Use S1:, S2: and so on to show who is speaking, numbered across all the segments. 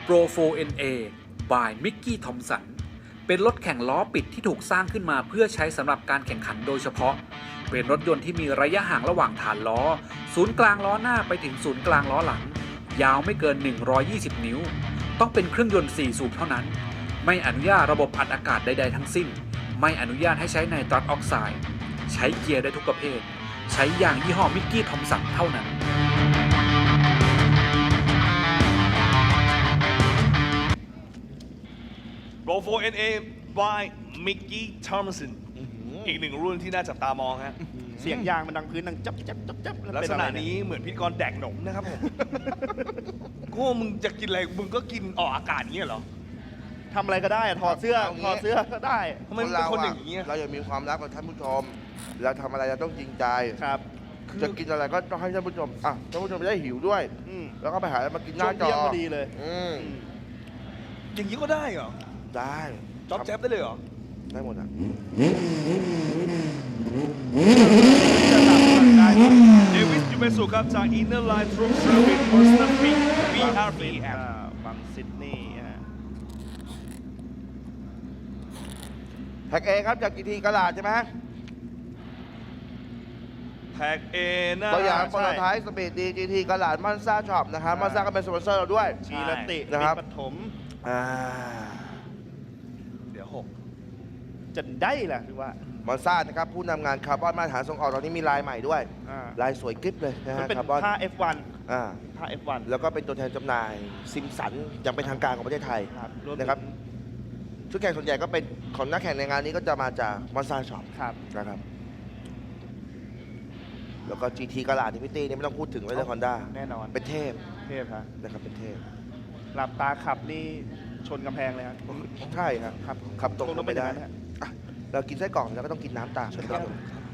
S1: Pro 4NA by Mickey Thompson เป็นรถแข่งล้อปิดที่ถูกสร้างขึ้นมาเพื่อใช้สำหรับการแข่งขันโดยเฉพาะเป็นรถยนต์ที่มีระยะห่างระหว่างฐานล้อศูนย์กลางล้อหน้าไปถึงศูนย์กลางล้อหลังยาวไม่เกิน120นิ้วต้องเป็นเครื่องยนต์4สูบเท่านั้นไม่อนุญาตระบบอัดอากาศใดๆทั้งสิ้นไม่อนุญาตให้ใช้ไนตรัสออกไซด์ใช้เกียร์ได้ทุกประเภทใช้ยางยี่ห้อมิกกี้ทอมสันเท่านั้น
S2: Pro 4NA by Mickey Thompson อีกหนึ่งรุ่นที่น่าจับตามองฮะ
S3: เสียงยางมันดังพื้นดังจับจับจับจับ
S2: ลักษณะนี้เหมือนพิธีกรแดกหนมนะครับผม ก็มึงจะกินอะไรมึงก็กินออกอากาศอย่างเงี้ยเหรอ
S3: ทำอะไรก็ได้ถอดเสื้อก็ได้
S2: ทำไมมึงเป็นคนอย่างนี้
S4: เราอยากมีความรักกับท่านผู้ชมเราทำอะไรเราต้องจริงใจ
S3: ครับ
S4: จะกินอะไรก็ต้องให้ท่านผู้ชมท่านผู้ชมจะได้หิวด้วย แล้วก็ไปหาอะไรมากินหน้าจอ
S3: ช่วงเที่ยงพอดีเลย
S2: อย่างนี้ก็ได้เหรอ
S4: ได้
S2: จ๊อบแจ๊บได้เลยเหรอ
S4: ได้หมดอ่ะ
S2: เดวิดยูเบสุครับจาก Inner Line Troop Service Personal Pick BRPM
S3: บังซิดนีย์ฮะ
S4: แพ็กเอครับจากกีทีกระดาษใช่ไหม
S2: แท็กเอนะ
S4: ตัวอย่างคนสุดท้ายสปีดดีจีทีกระดาษมันซ่าช็อปนะครับมันซ่าก็เป็นสปอนเซอร์เราด้วย
S3: ชีรติ
S4: นะครับ
S3: ปฐม
S2: เดี๋ยว
S3: จะได้แหละคือว่า
S4: มันซ่านะครับผู้นำงานคาร์บอนมาตรฐานส่งออกตอนนี้มีลายใหม่ด้วย ลายสวยกริบเลยนะ
S3: มัน
S4: ฮะ
S3: เป็น
S4: คาร์บอน
S3: ผ้า F1
S4: อ่า
S3: ผ้า F1
S4: แล้วก็เป็นตัวแทนจำหน่ายซิมสันอย่างเป็นทางการของประเทศไทย
S3: ครับวมถึง
S4: นะครับชุดแข่งส่วนใหญ่ก็เป็นของนักแข่งในงานนี้ก็จะมาจากมอนซาช็อป
S3: ครับ
S4: นะครับแล้วก็ GT กระดาษที่พี่ตี้นี่ไม่ต้องพูดถึงเลยนะฮอนด้า
S3: แน่นอน
S4: เป็นเทพ
S3: เทพฮะ
S4: นะครับเป็นเทพ
S3: หลับตาขับนี่ชนกำแพงเลยฮะ
S4: ใช่ครับ
S3: ครับ
S4: ขับตรงลงไปได้
S3: อย่างนั้นฮะ
S4: อ่ะเรากินไส้กรอกแล้วก็ต้องกินน้ำตามนะครับ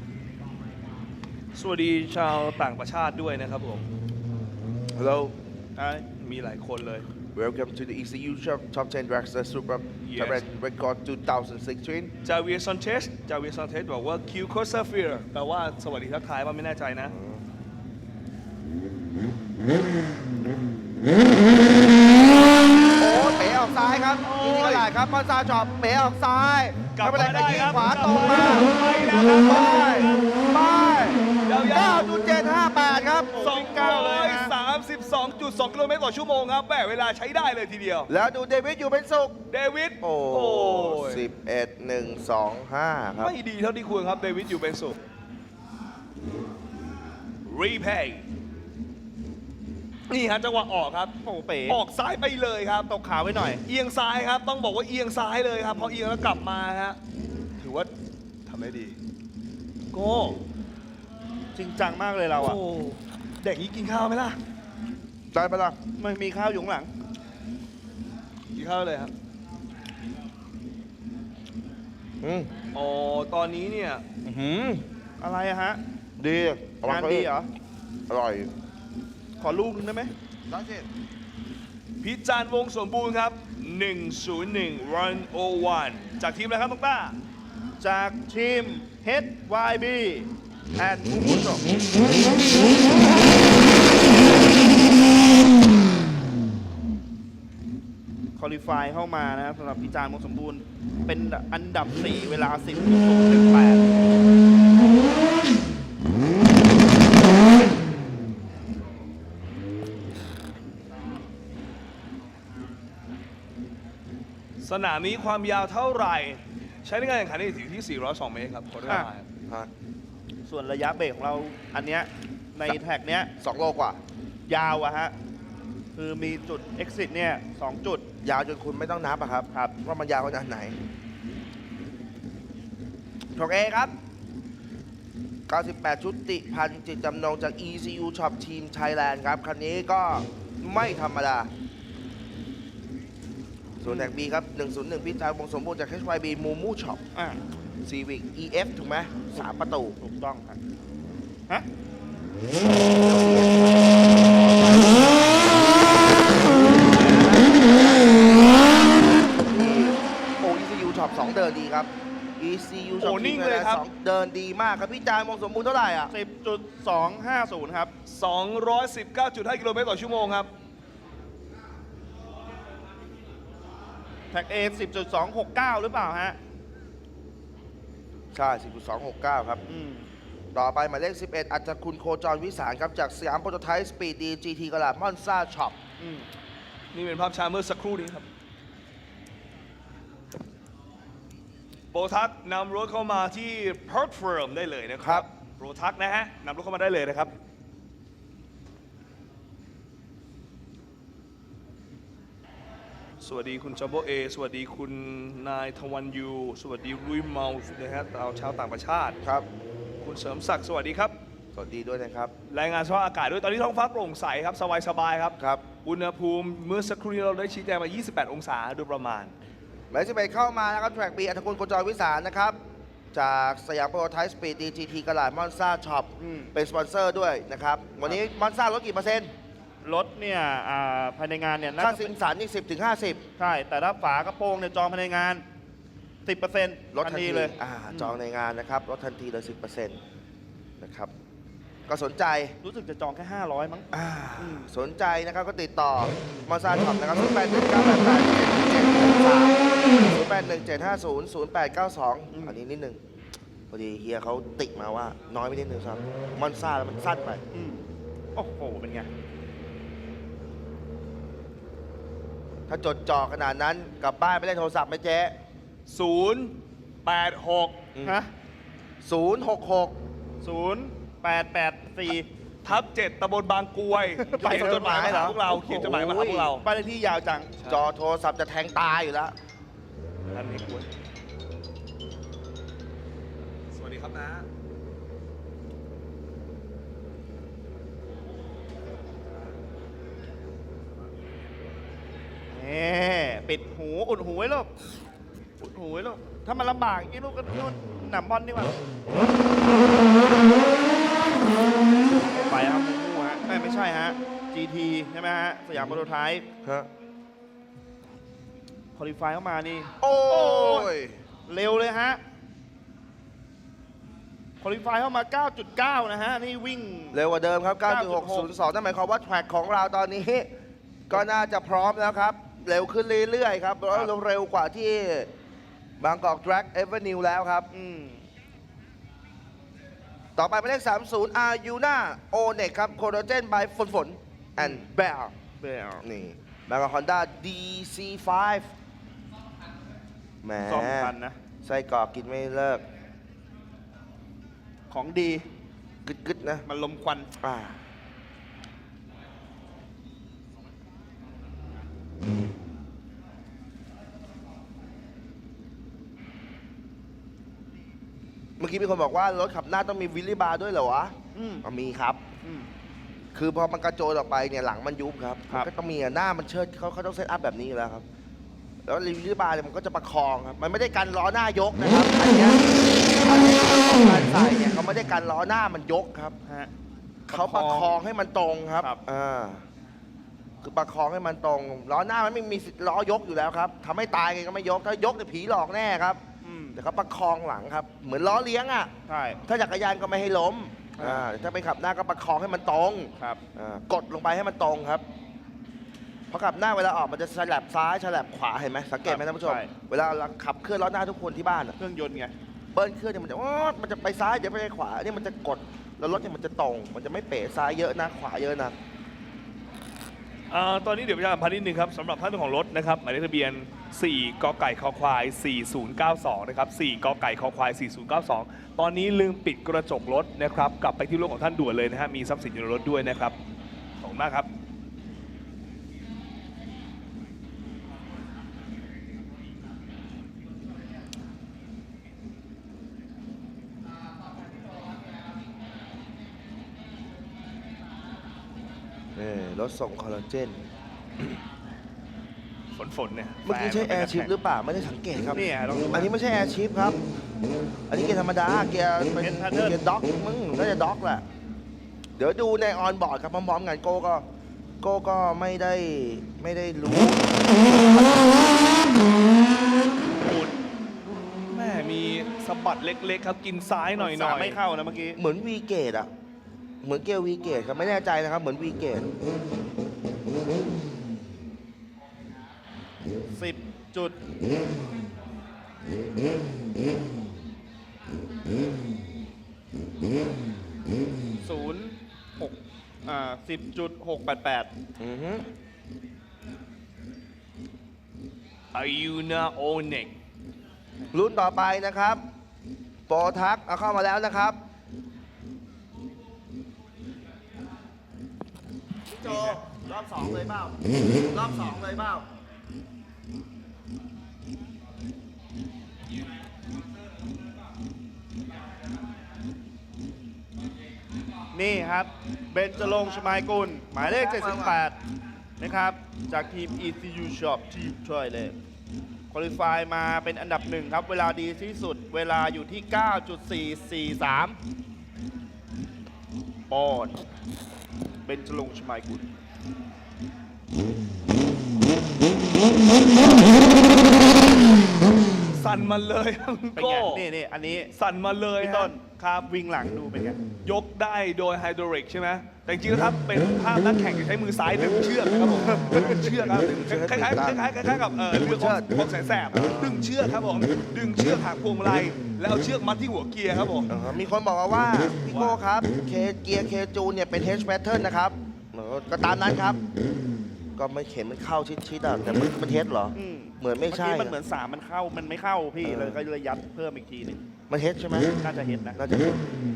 S2: สวัสดีชาวต่างประเทศด้วยนะครับผม
S4: Hello
S2: มีหลายคนเลย
S4: Welcome to the ECU Top 10 Dragster Super
S2: Yes.
S4: Talent Record 2016
S2: จาเวียร์ซอนเทสบอกว่าคิวโคซาเฟียร์แปลว่าสวัสดีทักทายว่าไม่แน่ใจนะ
S4: โอ้เป๋ออกซ้ายครับทีนี้ก็หลายครับมอนซาช็อปเป๋ออกซ้าย
S2: กลับ
S4: ไม่เป็นไร
S2: มาได้
S4: ก็ยิง
S2: ครับ
S4: ขวาตรงมา
S2: ไปแล้วครับ
S4: ไป
S2: ยาวๆ
S4: 9.758 ครับ
S2: 232.2 กิโลเมตรต่อชั่วโมงครับแหมเวลาใช้ได้เลยทีเดียว
S4: แล้วดูเดวิดอยู่เป็นสุข
S2: เดวิด
S4: โอ้
S2: ย
S4: 11.125 ครับ
S2: ไม่ดีเท่าที่ควรครับเดวิดอยู่เป็นสุขรีเพย์นี่ฮะจังหวะออกครับ
S3: โอ้เป๋
S2: ออกซ้ายไปเลยครับ
S3: ตกขาไว้หน่อย
S2: เอียงซ้ายครับต้องบอกว่าเอียงซ้ายเลยครับพอเอียงแล้วกลับมาฮะถือว่าทำได้ดีโก้
S3: จริงจังมากเลยเราอ่ะ
S2: โอ้เด็กนี้กินข้าวไหมล่ะ
S4: ได้ปะล่ะ
S3: มันมีข้าวอยู่ข้างหลัง
S2: กินข้าวเลยครับ อ๋อตอนนี้เนี่ย
S3: อะไรอะฮะ
S4: ดีเอว
S3: งานดีเหรอ
S4: อร่อย
S3: ขอลูกนึงได้ไหม
S4: ได้สิ
S2: พิจารณ์วงสมบูรณ์ครับ 101 Run 01 จากทีมอะไรครับน้องต้า
S3: จากทีม HYB and ผู้ชมคอลิฟายเข้ามานะครับสำหรับพิจารณ์วงสมบูรณ์เป็นอันดับ 4 เวลา 10.018
S2: สนามนี้ความยาวเท่าไหร่ ใช้ในการแข่งขันได้ถึงที่ 402 เมตรครับขอโทษครับ
S4: ฮะ
S3: ส่วนระยะเบรกของเราอันเนี้ยในแท็กเนี้ย
S4: 2 โลกว่า
S3: ยาวอะฮะ คือมีจุด exit เนี่ย 2 จุด
S4: ยาวจนคุณไม่ต้องนับอะครับ
S3: ครับ
S4: ว่ามันยาวขนาดไหนถกเอครับ 98 ชุติพันธ์จิตจำนงจาก ECU Shop Team Thailand ครับ คันนี้ก็ไม่ธรรมดา ส่วนแท็ก B ครับ 101 พิจารณ์วงสมบูรณ์จาก HYB Mumu Shop
S3: อ่า
S4: Civic EF ถูกไหม3 ประตู
S3: ถูกต้องครับฮะ
S4: ECU Shop 2 เดินดีครับ ECU
S2: โอ้
S4: Shop
S2: นิ่
S4: Team
S2: งเลยครับ
S4: 2 เดินดีมากครับพี่จานวงสมบูรณ์เท่าไหร่อ่ะ
S3: 10.250 ครับ
S2: 219.5 กิโลเมตรต่อชั่วโมงครับ
S3: แท็ก A 10.269 หรือเปล่าฮะ
S4: ใช่ 10.269 ครับ ต่อไปหมายเลข 11 อัจฉคุณโคจรวิสารครับ จากสยามโปรโตไทป์สปีดดี GT กระดาษมอนซ่าช็อป
S2: นี่เป็นภาพช้าเมื่อสักครู่นี้ครับโปรทักนำรถเข้ามาที่เพิร์ทเฟิร์มได้เลยนะค
S4: ครั
S2: รับบ โปรทักนะฮะนำรถเข้ามาได้เลยนะครับ สวัสดีคุณจัมโบเอสวัสดีคุณนายทวันยู สวัสดีรุยเมาส์นะฮะชาวต่างประเทศ
S4: ครับ
S2: คุณเสริมศักดิ์สวัสดีครับ
S4: สวัสดีด้วยนะครับ
S2: รายงานสภาพอากาศด้วยตอนนี้ท้องฟ้าโปร่งใสครับสบายๆครับ
S4: ครับ
S2: อุณหภูมิเมื่อสักครู่นี้เราได้ชี้แจงมา 28 องศาโดยประมาณ
S4: หมายเลข 11 เข้ามานะครับ แทร็กบีอัจฉคุณโคจรวิสารนะครับ จากสยามโปรโตไทป์สปีดดี GT กระดาษมอนซ่าช็อป เป็นสปอนเซอร์ด้วยนะครับ วันนี้มอนซ่าลดกี่เปอร์เซ็นต์
S3: รถเนี่ยภายในงานเนี่ยน่า
S4: ค่า
S3: จะ
S4: สินสันนี่10 ถึง 50
S3: ใช่ แต่ถ้าฝากระโปรงเนี่ยจองภายในงาน 10%
S4: ลดทันที
S3: เลย
S4: จองในงานนะครับลดทันทีเลย 10%นะครับ ก็สนใจ
S3: รู้สึกจะจองแค่ 500 มั้ง
S4: สนใจนะครับก็ติดต่อมาซาช็อปนะครับ 081988703817500892 อันนี้นิดนึงพอดีเฮียเขาติมาว่าน้อยไปนิดนึงครับมอนซ่าแล้วมันสั้นไป
S3: โอ้โห เป็นไง
S4: ถ้าจดจ่อขนาดนั้นกลับบ้านไปเล่นโทรศัพท์ไหมเจ๊
S2: 086
S3: ฮะ
S4: 066
S3: 0884
S2: ตำบลบางกรวย
S3: ไป
S2: เขียนจดหมายมาหาพวกเรา เขียนจดหมายมาหาพวกเรา
S3: บ้านเลขที่ยาวจัง
S4: จอโทรศัพท์จะแทงตายอยู่แล้ว
S2: ท่านนี้กรวยสวัสดีครับนะ
S3: ปิดหู อุดหูไว้ลูก อุดหูไว้ลูก ถ้ามันลำบากอย่างนี้ลูกก็นู่นหนำบอลดีกว่าไปครับมูมูฮะไม่ใช่ฮะ GT ใช่ไหมฮะ สยามโปรโตไทป์
S4: ฮะ
S3: คอลิฟายเข้ามานี่
S4: โอ้ย
S3: เร็วเลยฮะคอลิฟายเข้ามา 9.9 นะฮะ นี่วิ่ง
S4: เร็วกว่าเดิมครับ
S3: 9.6
S4: 9.602 นั่นหมายความว่าแทร็กของเราตอนนี้ ก็น่าจะพร้อมแล้วครับ เร็วขึ้นเรื่อยๆครับแล้วเร็วกว่าที่บางกอก Drag Avenue แล้วครับ ต่อไปหมายเลข 30 อายูน่าโอเน็กครับโคโดเจนบายฝนแอนด์แบล
S3: เบล
S4: นี่บางกอกฮอนด้า DC5 แหม
S3: 2,000 นะ
S4: ไส้กรอกกินไม่เลิก
S3: ของดี
S4: กึดๆนะ
S3: มันลมควัน
S4: เมื่อกี้มีคนบอกว่ารถขับหน้าต้องมีวิลลี่บาร์ด้วยเหรอวะมีครับ คือพอมันกระโจนออกไปเนี่ยหลังมันยุบครับ
S3: ครับ
S4: ก็ต้องมีหน้ามันเชิดเขาต้องเซตอัพแบบนี้อยู่แล้วครับ แล้ววิลลี่บาร์เนี่ยมันก็จะประคองครับ มันไม่ได้กันล้อหน้ายกนะครับ อันเนี้ยของการใส่เนี่ยเขาไม่ได้กันล้อหน้ามันยกครับ
S3: ฮะ
S4: เขาประคองให้มันตรงครับ
S3: ครับ
S4: คือประคองให้มันตรงล้อหน้ามันไม่มีสิทธิ์ล้อยกอยู่แล้วครับทำให้ตายไงก็ไม่ยก ถ้ายกเนี่ยผีหลอกแน่ครับ แต่เขาประคองหลังครับ เหมือนล้อเลี้ยงอ่ะ
S3: ใช่
S4: ถ้าจักรยานก็ไม่ให้ล้มถ้าไปขับหน้าก็ประคองให้มันตรง
S3: ครับ
S4: กดลงไปให้มันตรงครับพอขับหน้าเวลาออกมันจะฉลับซ้ายฉลับขวาเห็นไหมสังเกตไหมท่านผู้ชม
S3: ใช่
S4: เวลาเราขับเคลื่อนล้อหน้าทุกคนที่บ้านอะ
S3: เครื่องยนต์ไง
S4: เบิ้ลเครื่องเนี่ยมันจะไปซ้ายเดี๋ยวไปขวานี่มันจะกดแล้วรถเนี่ยมันจะตรง มันจะไม่เป๋ซ้ายเยอะนะขวาเยอะนะ
S2: ตอนนี้เดี๋ยวประชาสัมพันธ์นิดนึงครับสำหรับท่านเจ้าของรถนะครับหมายเลขทะเบียน 4 กไก่คอควาย 4092 นะครับ 4 กไก่คอควาย 4092 ตอนนี้ลืมปิดกระจกรถนะครับกลับไปที่รถของท่านด่วนเลยนะฮะมีทรัพย์สินอยู่ในรถด้วยนะครับขอบคุณมากครับ
S4: รถส่งคอลลาเจน
S2: ฝนเนี่ย
S4: เมื่อกี้ใช่แอร์ชิพหรือเปล่าไม่ได้สังเกตครับ
S3: นี่ลองดู
S4: อันนี้ไม่ใช่แอร์ชิพครับ อันนี้เกียร์ธรรมดาเกียร์เป็น
S3: เป็น pattern
S4: เกียร์ด็อกมึงน่าจะด็อกแหละเดี๋ยวดูในออนบอร์ดครับพร้อมๆกันโก้ก็ไม่ได้รู้
S2: แม่มีสะบัดเล็กๆครับกินซ้ายหน่อย
S3: สามไม่เข้านะเมื่อกี้
S4: เหมือนวีเกตอะเหมือนเกียร์วีเกตครับไม่แน่ใจนะครับเหมือนวีเกต
S3: 10 จุด 10.688
S4: อือฮึ
S2: Ayuna Onek
S4: รุ่นต่อไปนะครับโปรทักเอาเข้ามาแล้วนะครับพี่โจรอบ 2 เลยเปล่ารอบ 2 เลยเปล่า
S3: นี่ครับ เบนจรงค์ชมายกุล หมายเลข 78 นะครับ จากทีม ECU Shop ทีมช่วยเลยคุริฟายมาเป็นอันดับหนึ่งครับ เวลาดีที่สุด เวลาอยู่ที่ 9.443 ปอนด์เบนจรงค์ชมายกุล
S2: สั่นมาเลยครับคุณ
S3: เป็น
S2: โก้
S3: ไง นี่อันนี้
S2: สั่นมาเลย
S3: พี่
S2: ฮะ
S3: ต้นครับวิ่งหลังดูเป็นไง
S2: ยกได้โดยไฮดรอลิกใช่ไหมแต่จริงๆแล้วครับเป็นภาพนักแข่งที่ใช้มือซ้ายดึงเชือกนะครับผมดึงเชือกครับคล้ายๆกับเรือของแสนแสบดึงเชือกครับผมดึงเชือกหางพวงมาลัยแล้วเอาเชือกมัดที่หัวเกียร์ครับผม
S4: มีคนบอกมาว่า พี่โก้ครับเกียร์เคจูนเนี่ยเป็น H pattern นะครับก็ตามนั้นครับ ก็ไม่เข็นมันเข้าชิดๆอ่ะแต่มันเทสเหรอ
S3: อืม
S4: เหมือนไม่ใช่
S3: เมื่อกี้มันเหมือน3มันเข้า มันไม่เข้าพี่เลยก็เลยยัดเพิ่มอีกทีหนึง
S4: มันเทสใช่ไหม
S3: น่าจะเห็นนะ
S4: น่าจะเห็น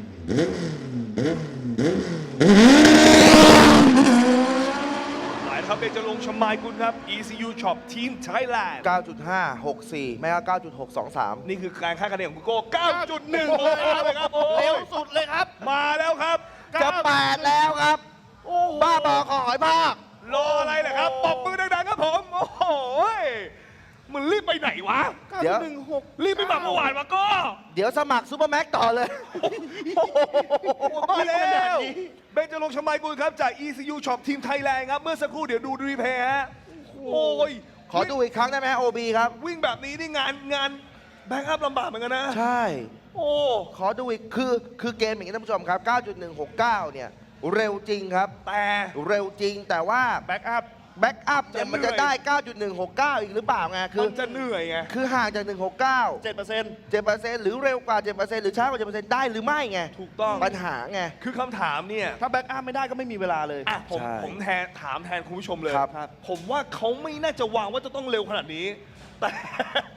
S2: หลายครับเบนจรงค์ชมายกุลครับ ECU Shop Team Thailand
S4: 9.564 ไม่ก็9.623
S2: นี่คือการคาดคะแนนของคุณโก้ 9.1เลยครับโอ้
S3: เร็วย สุดเลยครับ
S2: มาแล้วครับ
S4: จะ8แล้วครับ บ้าบอขอหอยภาค
S2: รออะไรล่ะครับปรบมือดังๆครับผม โอ้โหมันรีบไปไหนวะ
S4: เดี๋ยว
S2: รีบไปแบบเมื่อวานมาก็
S4: เดี๋ยวสมัครซูเปอร์แม็กต่อเลย
S2: มาแล้วเบนจรงค์ชมายกุลครับจาก ECU Shop Team Thailand ครับ เมื่อสักครู่เดี๋ยวดูรีเพย์ฮะ โอ้ย
S4: ขอดูอีกครั้งได้ไหมฮะ OB ครับ
S2: วิ่งแบบนี้นี่งานแบ็กอัพลำบากเหมือนกันนะ
S4: ใช่
S2: โอ้
S4: ขอดูอีกคือเกมอย่างนี้ท่านผู้ชมครับ 9.169 เนี่ย เร็วจริงครับ
S2: แต่
S4: เร็วจริงแต่ว่า
S3: แบ็กอัพ
S4: แบ็กอัพเนี่ย
S2: จะ
S4: มันจะ
S2: เหนื่อย
S4: ได้ 9.169 อีกหรือเปล่าไงคือ
S2: มันจะเหนื่อยไง
S4: คือห่างจาก 169
S3: 7%
S4: 7%หรือเร็วกว่า 7%หรือช้ากว่า 7%ได้หรือไม่ไง
S2: ถูกต้อง
S4: ปัญหาไง
S2: คือคำถามเนี่ย
S3: ถ้าแบ็กอัพไม่ได้ก็ไม่มีเวลาเลย
S2: อ่ะผม
S4: ใช่
S2: ผมถามแทนคุณผู้ชมเลย
S4: ครับ
S2: ผมว่าเขาไม่น่าจะวางว่าจะต้องเร็วขนาดนี้ แต่